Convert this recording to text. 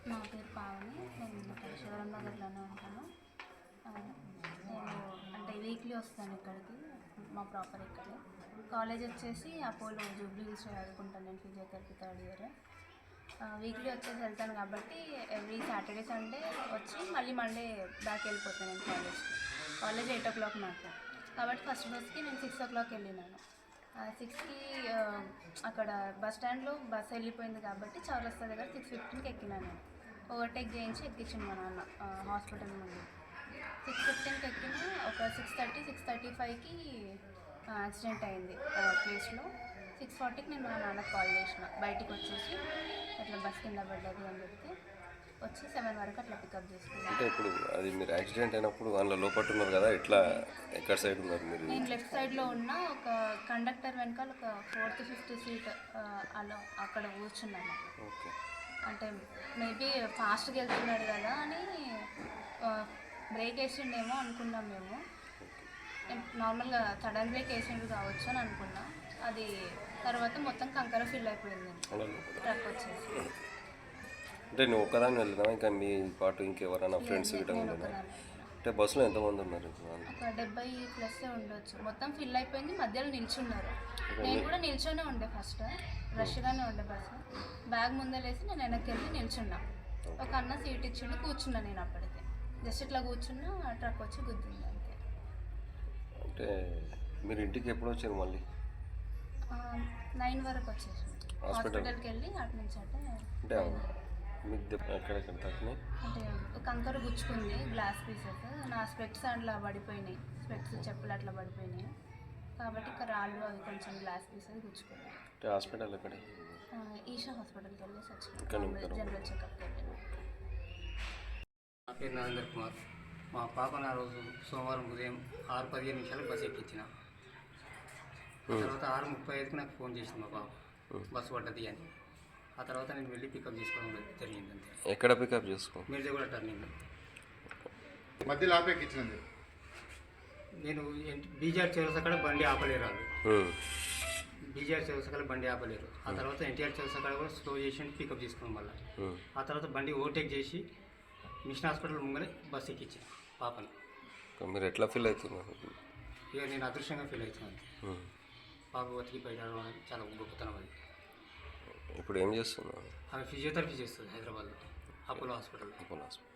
నా పేరు పావని. నేను ఇక్కడ శివరాం నగర్లోనే ఉంటాను. నేను అంటే వీక్లీ వస్తాను ఇక్కడికి. మా ప్రాపర్ ఇక్కడే. కాలేజ్ వచ్చేసి అపోలో జూబ్లీ హిల్స్ చదువుకుంటాను. నేను ఫిజియోథెరపీ థర్డ్ ఇయర్. వీక్లీ వచ్చేసి వెళ్తాను కాబట్టి ఎవ్రీ సాటర్డే సండే వచ్చి మళ్ళీ మండే బ్యాక్ వెళ్ళిపోతాను నేను కాలేజ్కి. కాలేజ్ 8 o'clock నాకు, కాబట్టి ఫస్ట్ బస్కి నేను 6 o'clock వెళ్ళినాను. 6కి అక్కడ బస్ స్టాండ్లో బస్ వెళ్ళిపోయింది కాబట్టి చౌరస్తా దగ్గర 6:15కి ఎక్కినాను. ఓవర్టేక్ చేయించి ఎక్కించింది మా నాన్న హాస్పిటల్ ముందు. 6:15కి ఎక్కిన ఒక 6:35కి యాక్సిడెంట్ అయింది ప్లేస్లో. 6:40కి నేను మా నాన్నకు కాల్ చేసిన, బయటికి వచ్చేసి అట్లా బస్ కింద పడ్డది అని చెప్తే వచ్చి 7 వరకు అట్లా పికప్ చేసుకున్నాను. అంటే ఇప్పుడు అది మీరు యాక్సిడెంట్ అయినప్పుడు అందులో లోపల ఉన్నారు కదా, ఎట్లా ఎక్కడ సైడ్ ఉన్నారు మీరు? నేను లెఫ్ట్ సైడ్లో ఉన్న ఒక కండక్టర్ వెనకాల ఒక 4th 5th సీట్ అలా అక్కడ కూర్చున్నాను. ఓకే. అంటే మేబీ ఫాస్ట్గా వెళ్తున్నాడు కదా అని బ్రేక్ వేసిండేమో అనుకున్నాం మేము. నార్మల్గా సడన్ బ్రేక్ వేసిండు కావచ్చు అని అనుకున్నాం. అది తర్వాత మొత్తం కంకర ఫిల్ అయిపోయింది ట్రక్ వచ్చేసి. అంటే నువ్వు ఒక్కదాన్ని వెళ్ళినా ఇంకా మీ పాటు ఇంకెవరైనా ఫ్రెండ్స్ గిట్ట ఉండదా? అంటే బస్సులో ఎంతమంది ఉన్నారు? ఒక 70+ ఉండొచ్చు. మొత్తం ఫిల్ అయిపోయింది, మధ్యలో నిల్చున్నారు. నేను కూడా నిల్చొనే ఉండే, ఫస్ట్ రష్గానే ఉండే బస్సు. బ్యాగ్ ముందలేసి నేను వెనక్కి వెళ్ళి నిల్చున్నా. ఒక అన్న సీట్ ఇచ్చిండు, కూర్చున్నా. నేను అప్పటికే జస్ట్ ఇట్లా కూర్చున్నా, ట్రక్ వచ్చి గుద్దింది అంతే. అంటే మీరు ఇంటికి ఎప్పుడు వచ్చారు మళ్ళీ? 9 వరకు వచ్చేసి హాస్పిటల్కి వెళ్ళి అటు నుంచి అంటే మీకు ఎక్కడెక్కడ తాకినాయి? అంటే కంకర గుచ్చుకుంది, గ్లాస్ పీసెస్. నా స్పెక్ట్స్ అట్లా పడిపోయినాయి, స్పెక్ట్స్ చెప్పులు అట్లా పడిపోయినాయి కాబట్టి ఇక్కడ రాళ్ళు అవి కొంచెం గ్లాస్ పీసెస్ గుచ్చుకున్నాయి. అంటే హాస్పిటల్ ఎక్కడ? ఈషా హాస్పిటల్కి వెళ్ళేసి వచ్చాను, జనరల్ చెకప్కి వెళ్ళాను. నా పేరు నరేంద్ర కుమార్. మా పాపను ఆ రోజు సోమవారం ఉదయం 6:15 బస్సు ఎక్కించిన. తర్వాత 6:35కి నాకు ఫోన్ చేసింది మా పాప, బస్సు పడ్డది అని. ఆ తర్వాత నేను వెళ్ళి పికప్ చేసుకోవడం జరిగింది అంతే. ఎక్కడ పికప్ చేసుకో? మీర్జాగూడ టర్నింగ్ మధ్యలో ఆపేకిచ్చినండి. నేను బీజార్ చౌరస్తా కాడ బండి ఆపలేరు వాళ్ళు. బీజార్ చౌరస్తా కాడ బండి ఆపలేరు. ఆ తర్వాత ఎన్టీఆర్ చౌరస్తా కాడ కూడా స్లో చేసి పికప్ చేసుకోవడం వల్ల ఆ తర్వాత బండి ఓవర్టేక్ చేసి మిషన్ హాస్పిటల్ ముంగనే బస్సు ఎక్కించాను పాపని. మీరు ఎట్లా ఫీల్ అవుతున్నారు? ఇక నేను అదృష్టంగా ఫీల్ అవుతున్నాను. పాప బతికి బయట చాలా గొప్పతనం అది. ఇప్పుడు ఏం చేస్తున్నావు? ఆమె ఫిజియోథెరపీ చేస్తుంది హైదరాబాద్లో అపోలో హాస్పిటల్.